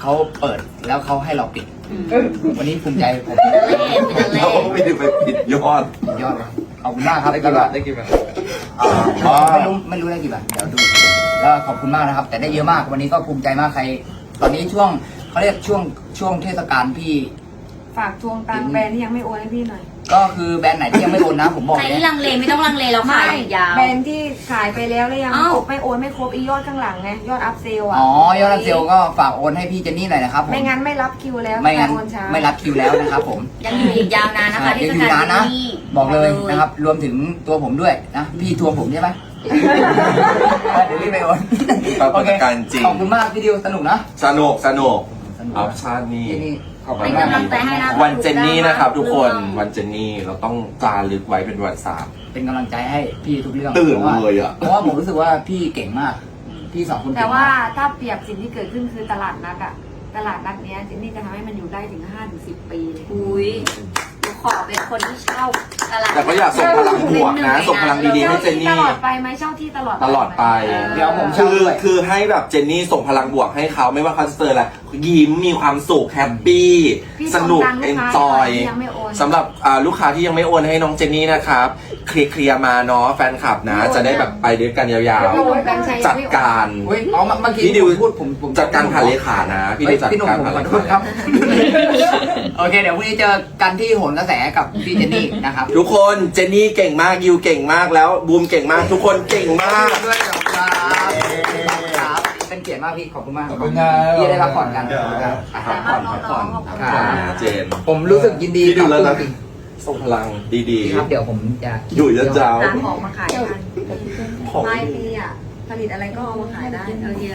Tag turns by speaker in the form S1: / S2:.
S1: เขาเปิดแล้วเขาให้เราปิด วันนี้ภูมิใจผม
S2: เราไม่ได้ไปปิดยอด
S1: ยอดเลยขอบคุณมากครับ
S2: ได้กี่บาทได้กี่บาท
S1: ไม่รู้ได้กี่บาทเดี๋ยวดูแล้วขอบคุณมากนะครับ แต่ได้เยอะมากวันนี้ก็ภูมิใจมากใคร ตอนนี้ช่วงเขาเรียกช่วงเทศกาลพี่
S3: ฝากทวงตังค์แบรนด์ที่ยังไม่โอนให้พี่หน่อย
S1: ก็คือแบรนด์ไหนที่ยังไม่โอนนะผมบอก
S4: ใคร
S1: เลย
S4: ที่ลังเลไม่ต้องลังเลเราขายยาว
S3: แบรนด์ที่ขายไปแล้วแล้วยัง
S4: อ้าว
S3: ไม่โอนไม่ครบอียอดข้างหลังไงยอดอัพเซลอ่ะ
S1: อ๋อยอดรับเซลก็ฝากโอนให้พี่เจนนี่หน่อยนะครับผม
S3: ไม่งั้นไม่รับคิวแล้ว
S1: ไม่งั้น
S3: โอนช้า
S1: ไม่รับคิวแล้วนะครับผม
S4: ยังอยู่อีกยาวนานนะคะ
S1: ยังอยู่นานนะ บอกเลยนะครับ รวมถึงตัวผมด้วยนะพี่ทวงผมใช่ไหม เดี๋ยวรีบไปโอน
S2: ปรากฏการณ์จริง
S1: ขอบคุณมากพี่ดิวสนุกนะ
S2: สนุก
S1: สนุก
S2: ออปชั่นนี่
S1: เจนนี่ขอบคุ
S4: เป็
S1: ณ
S4: น
S1: มาก
S4: กำลังใจให้นะ
S2: วันเจนนี่นะครับทุกคนวันเจนนี่เราต้องจารึกไว้เป็นประวัติศาสตร์
S1: เป็นกำลังใจให้พี่ทุกเรื่อง
S2: ตื่นเลยอะ
S1: เพราะว่าผมรู้สึกว่าพี่เก่งมาก พี่สองคนเก่งมาก
S3: แต่ว่าถ้าเปรียบสิ่งที่เกิดขึ้นคือตลาดนัดอะตลาดนัดเนี้ยเจนนี่จะทำให้มันอยู่ได้ถึง 5-10 ปีเลย
S4: อุ้ยหนูขอเป็นคนที่เช่าตลาด
S2: แต่ก็อยากส่งพลังบวกนะ ส่งพลังดีๆให้เจน
S3: ต
S2: นี่
S3: ลอดไปไหมเช่าที่ตลอด
S2: ตลอดไป
S1: เดี๋ยวผมเช่าด้วย
S2: คือให้แบบเจนนี่ส่งพลังบวกให้เขาไม่ว่าเขาจะเจออะไรยิ้มมีความสุขแฮปปี้
S3: พี่
S2: สนุก
S3: ส่งตังค์
S2: เอน
S3: ลูก
S2: จ
S3: ค้า
S2: อย
S3: ที่ยังไม่โอน
S2: สำหรับลูกค้าที่ยังไม่โอนให้น้องเจนนี่นะครับเคลียร์มาเนาะแฟนคลับนะ จะได้แบบไปด้วยกันยาว
S3: พี่โอนกันใช้
S2: ๆ จัดการ
S1: เฮ้ยอ๋อเมื่อกี้
S2: พี่ดิว
S1: พูดผม
S2: จัดการผ่านเลขานะ พี่ดิวจัด
S1: พี่หนุ่ม
S2: การ
S1: ผม
S2: ผ่าน
S1: ข
S2: เล
S1: อโทษครั
S2: ขา
S1: บ โอเค เดี๋ยวพรุ่งนี้เจอกันที่โหนกระแสกับพี่เจนนี่นะครับ
S2: ทุกคนเจนนี่เก่งมากยิวเก่งมากแล้วบูมเก่งมากทุกคนเก่งมาก
S1: ด้วยขอบคุณครับครับเป็นเกียรติมากพี่ขอบคุณมาก
S5: ขอบคุณครับ
S1: พี่ได้พักผ่อนกันครับพักผ่อนพักผ่อนค
S2: ขอบ
S1: รั
S2: คุณ
S1: บ
S2: นะเจน
S1: ผมรู้สึกยินดี
S2: พี่ดูแล้วนะ
S1: จริง
S2: ส่งพลังดี
S1: ๆครับเดี๋ยวผมจะ
S2: ๆ อยู่ยาว
S3: หาของมาขายกัน
S2: ๆของ
S3: ปลายปีอะผลิตอะไรก็เอามาขายได้